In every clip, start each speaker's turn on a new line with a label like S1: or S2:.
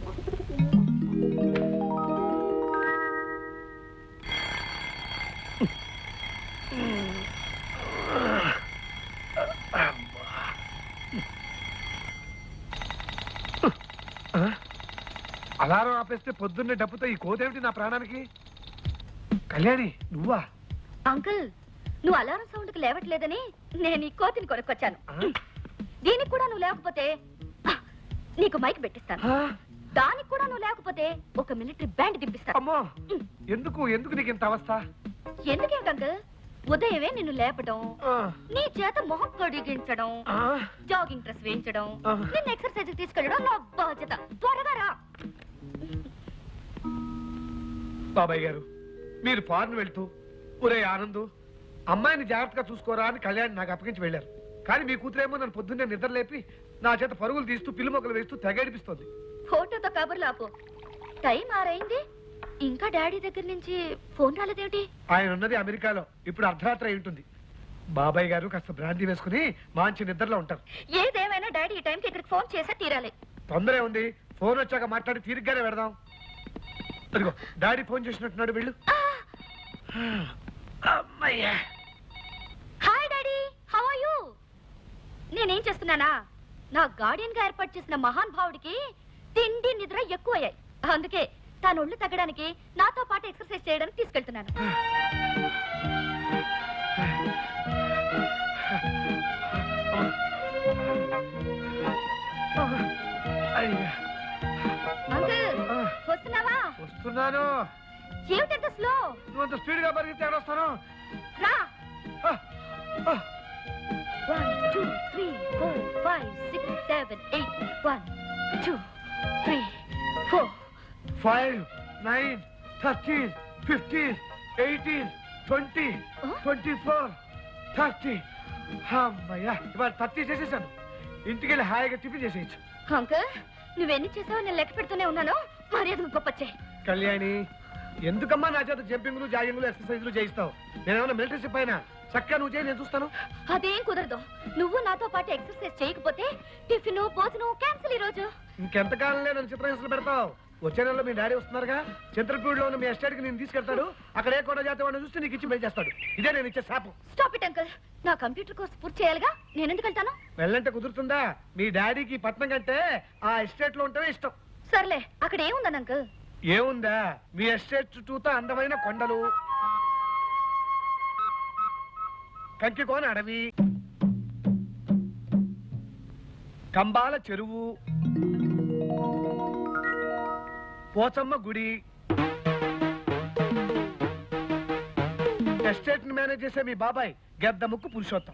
S1: Alarm ఆపేస్తే పొద్దున్నే డబ్బుతో ఈ కోదేమిటి నా ప్రాణానికి? కళ్యాణి నువ్వా?
S2: అంకుల్, నువ్వు అలారం సౌండ్ కి లేవట్లేదని నేను ఈ కోతిని కొనుక్కొచ్చాను. దీనికి కూడా నువ్వు లేకపోతే నీకు మైక్ పెట్టిస్తాను. దానికి కూడా నువ్వు లేకపోతే ఒక మిలిటరీ బ్యాండ్ దింపిస్తాను.
S1: అమ్మో, ఎందుకు ఎందుకు నీకు ఇంత అవస్థ?
S2: ఎందుకేంటి అంకుల్, ఉదయమే నిన్ను లేపడం, నీ చేత మొహం కడిగించడం, జాగింగ్ డ్రెస్ వేయించడం, నిన్ను ఎక్సర్సైజ్ తీసుకెళ్ళడం నా బాధ్యత. త్వరగా రా.
S1: బాబాయ్ గారు, మీరు ఫారెన్ వెళ్తూ ఒరే ఆనందు అమ్మాయిని జాగ్రత్తగా చూసుకోరా అని కళ్యాణ్ నాకు అప్పగించి వెళ్ళారు. కానీ మీ కూతురేమో నన్ను పొద్దున్నే నిద్ర లేపి నా చేత పరుగులు తీస్తూ పిల్లి మొక్కలు వేస్తూ తెగడిపిస్తోంది.
S2: ఫోటోతో కబుర్లు ఆపు. టైం ఆరైంది, ఇంకా డాడీ దగ్గర నుంచి ఫోన్ రాలేదేమిటి?
S1: ఆయన ఉన్నది అమెరికాలో, ఇప్పుడు అర్ధరాత్రి అయి ఉంటుంది. బాబాయ్ గారు కాస్త బ్రాంతి వేసుకుని మంచి నిద్రలో ఉంటారు.
S2: ఏదేమైనా డాడీ ఈ టైంకి ఇక్కడికి ఫోన్ చేసే తీరాలి.
S1: తొందరే ఉంది, ఫోన్ వచ్చాక మాట్లాడి తీరిగ్గానే పెడదాం. అదిగో డాడీ ఫోన్ చేసినట్టున్నాడు, వెళ్ళు.
S2: Hi daddy, how are you? నేనేం చేస్తున్నానా, నా గార్డియన్ గా ఏర్పాటు చేసిన మహాన్ భావుడికి తిండి నిద్ర ఎక్కువయ్యాయి. అందుకే తాను ఒళ్ళు తగ్గడానికి నాతో పాటు ఎక్సర్సైజ్ చేయడానికి తీసుకెళ్తున్నాను. అంకుల్, వస్తున్నావా?
S1: వస్తున్నాను.
S2: ఏమిటంత స్లో?
S1: నువ్వు అంత స్పీడ్ గా పరిగెత్తి వస్తాను.
S2: రా. 1 2 3 4 5 6 7 8 1 2 3 4
S1: 5 9 13 15 18 20 24 30. అమ్మయ్యా, ఇవాళ 30 చేసేసాను. ఇంటికి వెళ్ళి హాయిగా టిఫిన్ చేసేయచ్చు.
S2: అంకుల్, నువ్వెన్ని చేసావో నేను లెక్క పెడుతూనే ఉన్నాను. మర్యాద గొప్పచ్చే.
S1: కళ్యాణి, ఎందుకమ్మా నా చేత జంపింగ్లు జాగింగ్లు ఎక్సర్సైజ్లు చేయిస్తావు? నేనేమన్నా మిలిటరీ షిప్ అయినా? చక్కగా నువ్వు చేయి, నేను చూస్తాను.
S2: అదేం కుదరదు. నువ్వు నాతో పాటు ఎక్సర్సైజ్ చేయకపోతే టిఫిన్ భోజనం క్యాన్సిల్. ఈ రోజు
S1: ఇంకెంతకాలంలో నన్ను చిత్రహింసలు పెడతావు? వచ్చే నెలలో మీ డాడీ వస్తున్నారుగా, చంద్రపూడిలో ఉన్న మీ ఎస్టేట్ కి నేను తీసుకెళ్తాడు. అక్కడ ఏ కొండ జాతి వాడిని చూస్తే నీకు ఇచ్చి పెళ్లి చేస్తాడు. ఇదే నేను ఇచ్చే శాపం.
S2: స్టాప్ ఇట్ అంకుల్, నా కంప్యూటర్ కోర్స్ పూర్తి చేయాలిగా. నేను ఎందుకు వెళ్తాను?
S1: వెళ్ళంటే కుదురుతుందా? మీ డాడీకి పట్నం కంటే ఆ ఎస్టేట్ లో ఉంటేనే ఇష్టం.
S2: సర్లే, అక్కడ ఏముందని అంకుల్?
S1: ఏముందా, మీ ఎస్టేట్ చుట్టూతో అందమైన కొండలు, కంకికోన అడవి, కంబాల చెరువు, పోచమ్మ గుడి. ఎస్టేట్ ని మేనేజ్ చేసే మీ బాబాయ్ గద్ద ముక్కు పురుషోత్తం.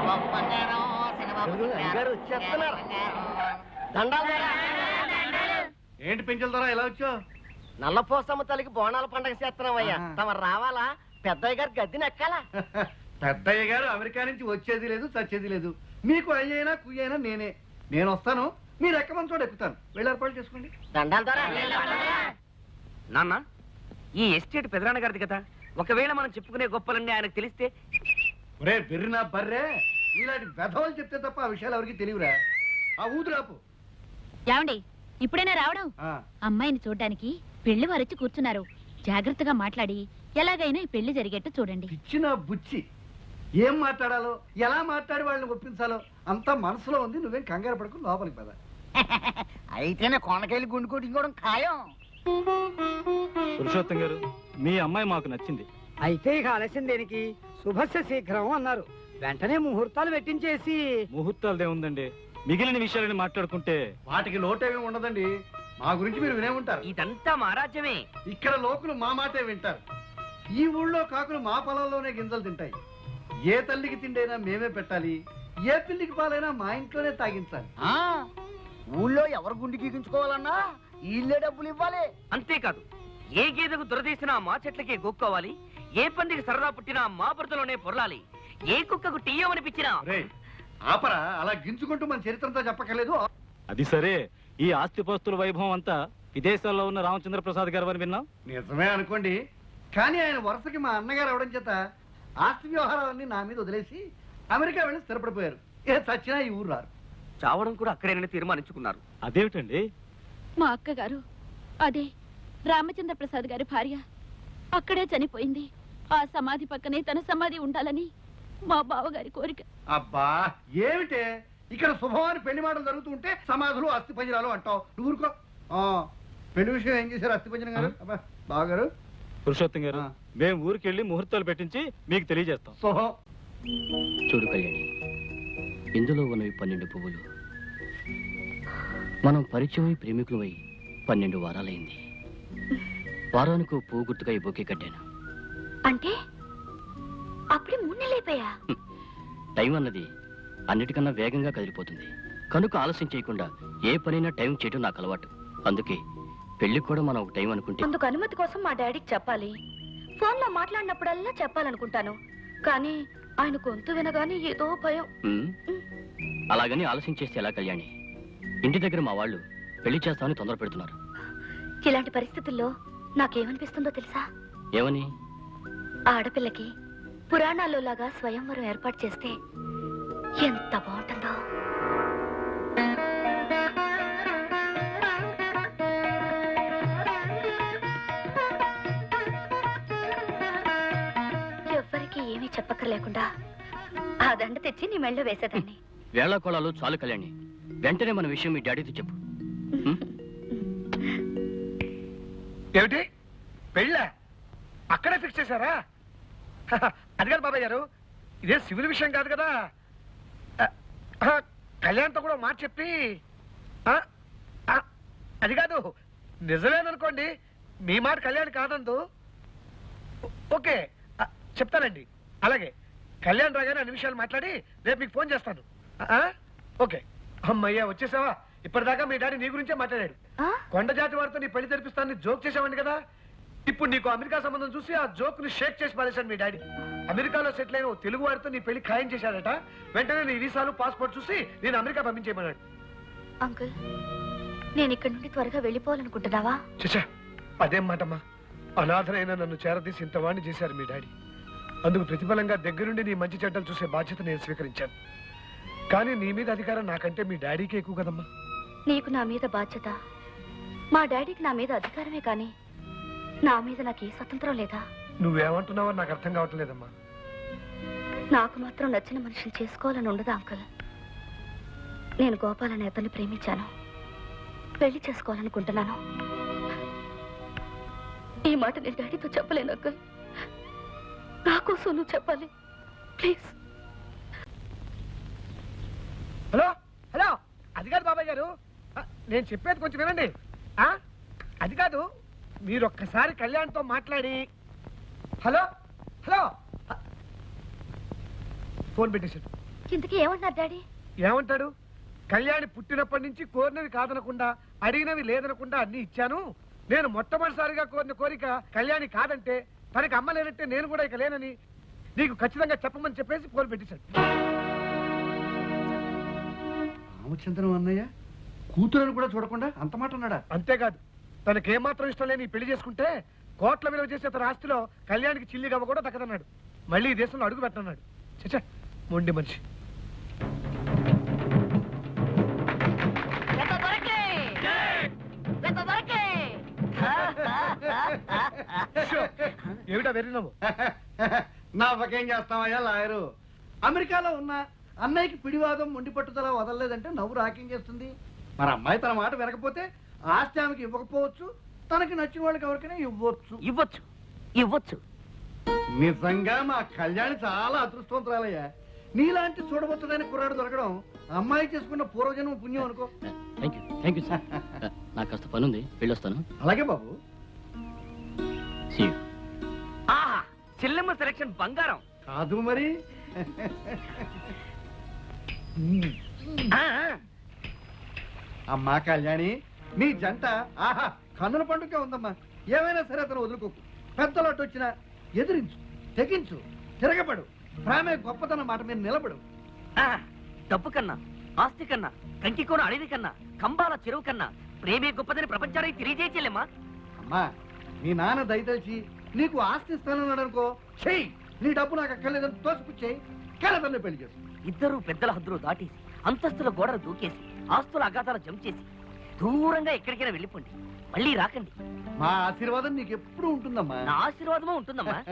S3: ఏంటి పెంచుల ద్వారా ఎలా వచ్చావు?
S4: నల్లపోసమ్మ తల్లికి బోనాల పండగ చేస్తున్నామయ్యా. తమరు రావాలా? పెద్దయ్య గారి గద్దెని ఎక్కాలా?
S3: పెద్దయ్య గారు అమెరికా నుంచి వచ్చేది లేదు, చచ్చేది లేదు. మీకు అయ్యైనా కుయ్యైనా నేనే. నేను వస్తాను, మీరు ఎక్కమని చోట ఎక్కుతాను. వెళ్ళి ఏర్పాటు చేసుకోండి.
S4: దండాల ద్వారా
S5: నాన్న, ఈ ఎస్టేట్ పెదనాన్న గారిది కదా. ఒకవేళ మనం చెప్పుకునే గొప్పలన్నీ ఆయనకు తెలిస్తే?
S3: ఒరే బెర్రినా బర్రే, ఇలాంటి వెధవలు చెప్తే తప్ప ఆ విషయాలు ఎవరికి తెలియరా? ఆ ఊదురాపు.
S6: ఏమండి, ఇప్పుడైనా రావడం? అమ్మాయిని చూడ్డానికి పెళ్లి వారొచ్చి కూర్చున్నారు. జాగ్రత్తగా మాట్లాడి ఎలాగైనా ఈ పెళ్లి జరిగేట్టు చూడండి.
S3: ఇచ్చిన బుచ్చి ఏం మాట్లాడాలో, ఎలా మాట్లాడి వాళ్ళని ఒప్పించాలో అంతా మనసులో ఉంది. నువ్వేం కంగారు పడుకుని లోపలికి పద.
S4: అయితేనే కొండకెళ్ళి గుండు కొట్టుకోవడం ఖాయం.
S7: పురుషోత్తం గారు, మీ అమ్మాయి మాకు నచ్చింది.
S8: అయితే ఇక ఆలస్యం దేనికి? శుభస్య శీఘ్రం అన్నారు. వెంటనే ముహూర్తాలు పెట్టించేసి.
S7: ముహూర్తాలు ఏముందండి, మిగిలిన విషయాలని మాట్లాడుకుంటే.
S3: వాటికి లోటేమీ ఉండదండి. మా గురించి మీరు వినే ఉంటారు.
S5: ఇదంతా మా రాజ్యమే.
S3: ఇక్కడ లోకులు మా మాటే వింటారు. ఈ ఊళ్ళో కాకులు మా పొలంలోనే గింజలు తింటాయి. ఏ తల్లికి తిండైనా మేమే పెట్టాలి, ఏ పిల్లికి పాలైనా మా ఇంట్లోనే తాగించాలి.
S4: ఊళ్ళో ఎవరు గుండు గీగించుకోవాలన్నా వీళ్ళే డబ్బులు ఇవ్వాలి.
S5: అంతేకాదు, ఏ గేదెకు దురదీసినా మా చెట్లకే గోక్కోవాలి, ఏ పందికి సరదా పుట్టినా మా బురదలోనే పొరలాలి, ఏ కుక్కకు టీయమనిపించినా.
S3: ఆపరా, అలా గింజుకుంటూ మన చరిత్రంతో చెప్పక్కర్లేదు.
S7: అది సరే, ఈ ఆస్తిపాస్తుల వైభవం అంతా విదేశాల్లో ఉన్న రామచంద్ర ప్రసాద్ గారు అని విన్నాం.
S3: నిజమే అనుకోండి, కానీ ఆయన వరుసకి మా అన్నగారు అవడం చేత ఆస్తి వ్యవహారాలన్నీ నా మీద వదిలేసి అమెరికా వెళ్ళి స్థిరపడిపోయారు. ఏ చచ్చినా ఈ ఊరు రారు.
S5: చావడం కూడా అక్కడేనని తీర్మానించుకున్నారు.
S7: అదేమిటండి,
S6: మా అక్కగారు అదే రామచంద్ర ప్రసాద్ గారి భార్య అక్కడే చనిపోయింది. ఆ సమాధి పక్కనే తన సమాధి ఉండాలని మా బావగారి కోరిక.
S3: అబ్బా ఏమిటే ఇక్కడ శుభవారి పెళ్లి మాటలు జరుగుతుంటే సమాధులు అస్థి పంజరాలు అంటావు. నువ్వు ఊరుకో. పెళ్లి విషయం ఏం చేశారు అస్థి పంజరం గారు? అబ్బా బావగారు.
S7: పురుషోత్తం గారు,
S3: ఆ.
S7: మేము ఊరికెళ్ళి ముహూర్తాలు పెట్టించి మీకు తెలియజేస్తాం.
S3: శుభం.
S5: చూడు కళ్యాణి, ఇందులో ఉన్నవి 12 పువ్వులు. మనం పరిచయమై ప్రేమికులమై 12 వారాలైంది. వారానికి ఓ పువ్వు గుర్తుగా ఈ బొకే కట్టాను.
S2: అంటే అప్పుడే 3 నెలలైపోయా?
S5: టైం అన్నది అన్నిటికన్నా వేగంగా కదిలిపోతుంది. కనుక ఆలస్యం చేయకుండా ఏ పనైనా టైం చేయడం నాకు అలవాటు. అందుకే పెళ్లికి కూడా మనం ఒక టైం అనుకుంటే.
S2: అందుకు అనుమతి కోసం మా డాడీకి చెప్పాలి. ఫోన్లో మాట్లాడినప్పుడల్లా చెప్పాలనుకుంటాను, కానీ ఆయన గొంతు వినగానే ఏదో భయం.
S5: అలాగని ఆలస్యం చేస్తే ఎలా కళ్యాణి? ఇంటి దగ్గర మా వాళ్ళు పెళ్లి చేస్తామని తొందర పెడుతున్నారు.
S2: ఇలాంటి పరిస్థితుల్లో నాకేమనిపిస్తుందో తెలుసా?
S5: ఏమని?
S2: ఆడపిల్లకి పురాణాల్లో లాగా స్వయంవరం ఏర్పాటు చేస్తే ఎంత బాగుంటుందో. ఎవ్వరికి ఏమీ చెప్పక్కర్లేకుండా ఆ దండ తెచ్చి నీ మెళ్ళో వేసేదాన్ని.
S5: వేళాకోళాలు చాలు కళ్యాణి. వెంటనే మన విషయం మీ డాడీతో చెప్పు.
S1: ఏమిటి పెళ్ళా? అక్కడే ఫిక్స్ చేశారా? అది కాదు బాబాయ్ గారు, ఇదే సివిల్ విషయం కాదు కదా. కళ్యాణ్తో కూడా మాట చెప్పి అది కాదు, నిజమేననుకోండి, మీ మాట కళ్యాణ్ కాదందు. ఓకే చెప్తానండి. అలాగే కళ్యాణ్ రాగానే అన్ని విషయాలు మాట్లాడి రేపు మీకు ఫోన్ చేస్తాను. ఓకే. అమ్మయ్యా వచ్చేసావా? ఇప్పటిదాకా మీ డాడీ నీ గురించే మాట్లాడాడు. కొండ జాతి వారితో నీ పెళ్లి జరిపిస్తానని జోక్ చేసావండి కదా. ఇప్పుడు నీకు అమెరికా సంబంధం చూసి ఆ జోక్ ని షేక్ చేసి పారేశాడు మీ డాడీ. అమెరికాలో సెటిల్ అయిన ఓ తెలుగు వారితో నీ పెళ్లి ఖాయం చేశాడట. వెంటనే నీ వీసాలు పాస్పోర్ట్ చూసి నేను అమెరికా పంపించేయమన్నాడు.
S2: అంకుల్, నేను ఇక్కడ నుండి త్వరగా వెళ్ళిపోవాలనుకుంటున్నావా?
S1: చచ్చా, అదేం మాటమ్మా. అనాథనైనా నన్ను చేరదీసి ఇంతవాణ్ణి చేశారు మీ డాడీ. అందుకు ప్రతిఫలంగా దగ్గరుండి నీ మంచి చెడ్డలు చూసే బాధ్యత నేను స్వీకరించాను. కానీ నీ మీద అధికారం నాకంటే మీ డాడీకి ఎక్కువ కదమ్మా.
S2: నీకు నా మీద బాధ్యత, మా డాడీకి నా మీద అధికారమే, కానీ నా మీద నాకు ఏ స్వతంత్రం లేదా?
S1: నువ్వేమంటున్నావో నాకు అర్థం కావటం లేదమ్మా.
S2: నాకు మాత్రం నచ్చిన మనిషిని చేసుకోవాలని ఉండదా అంకుల్? నేను గోపాల్ అనే అతన్ని ప్రేమించాను, పెళ్లి చేసుకోవాలనుకుంటున్నాను. ఈ మాట నేను డాడీతో చెప్పలేను అంకుల్. నా కోసం నువ్వు చెప్పాలి ప్లీజ్.
S1: హలో హలో, అది కాదు బాబాయ్ గారు, నేను చెప్పేది కొంచెం వినండి. అది కాదు, మీరు ఒక్కసారి కళ్యాణ్తో మాట్లాడి. హలో హలో, ఫోన్ పెట్టేశాడు.
S2: ఇంతకీ ఏమంటున్నారు డాడీ?
S1: ఏమంటాడు? కళ్యాణి పుట్టినప్పటి నుంచి కోరినవి కాదనకుండా, అడిగినవి లేదనకుండా అన్ని ఇచ్చాను. నేను మొట్టమొదటిసారిగా కోరిన కోరిక కళ్యాణి కాదంటే, తనకి అమ్మ లేనంటే నేను కూడా ఇక లేనని నీకు ఖచ్చితంగా చెప్పమని చెప్పేసి ఫోన్ పెట్టేశాడు.
S3: రామచంద్రం అన్నయ్య కూతురని కూడా చూడకుండా అంత మాట అన్నాడా?
S1: అంతేకాదు, తనకేమాత్రం ఇష్టం లేని ఈ పెళ్లి చేసుకుంటే కోట్ల విలువ చేసే తన ఆస్తిలో కళ్యాణికి చిల్లి గవ్వ కూడా దక్కదన్నాడు. మళ్ళీ ఈ దేశంలో అడుగు పెట్టన్నాడు. చచ్చా, మొండి మనిషి. ఏమిటా వెర్రినావు?
S3: నాకేం చేస్తామయ్యా లాయరు. అమెరికాలో ఉన్న అన్నయ్యకి పిడివాదం మొండి పట్టుదల వదలలేదంటే నవ్వు రాకేం చేస్తుంది? మరి అమ్మాయి తన మాట వినకపోతే ఆస్తి ఆమెకి ఇవ్వకపోవచ్చు, తనకి నచ్చిన వాళ్ళకి ఎవరికైనా ఇవ్వచ్చు.
S5: ఇవ్వచ్చు ఇవ్వచ్చు.
S3: నిజంగా మా కళ్యాణి చాలా అదృష్టవంతురాలయ్యా. నీలాంటి చూడబోతుడైన కుర్రాడు దొరకడం అమ్మాయి చేసుకున్న పూర్వజన్మ పుణ్యం అనుకో.
S5: Thank you sir. నాకు కాస్త పని ఉంది, వెళ్ళొస్తాను.
S3: అలాగే బాబు.
S5: చెల్లెమ్మ సెలక్షన్ బంగారం
S3: కాదు మరి. అమ్మా కళ్యాణి, నీ జంట ఆహా కన్నుల పండుగ ఉందమ్మా. ఏమైనా సరే అతను వదులుకోకు. పెద్దలోటు వచ్చినా ఎదిరించు, తెగించు, తిరగబడు. ప్రేమే గొప్పతనం మాట మీద నిలబడు.
S5: డబ్బు కన్నా, ఆస్తి కన్నా, కంకికోన అడవి కన్నా, కంబాల చెరువు కన్నా ప్రేమే గొప్పదని ప్రపంచానికి తెలియజేయలేమ్మా.
S3: అమ్మా, నీ నాన్న దయతలిచి నీకు ఆస్తి ఇస్తానన్నాడు అనుకో, చెయ్యి. నీ డబ్బు నాకు అక్కర్లేదని తోసిపుచ్చేయి, కలతల్ని పెళ్లి చేసు.
S5: ఇద్దరు పెద్దల హద్దులు దాటేసి, అంతస్తుల గోడలు దూకేసి, ఆస్తుల అగాధాలు జంప్ చేసి
S9: దూరంగా ఎక్కడికైనా వెళ్ళిపోండి, మళ్ళీ రాకండి.
S3: మా ఆశీర్వాదం నీకు ఎప్పుడు ఉంటుందమ్మా.
S9: నా ఆశీర్వాదమూ ఉంటుందమ్మా.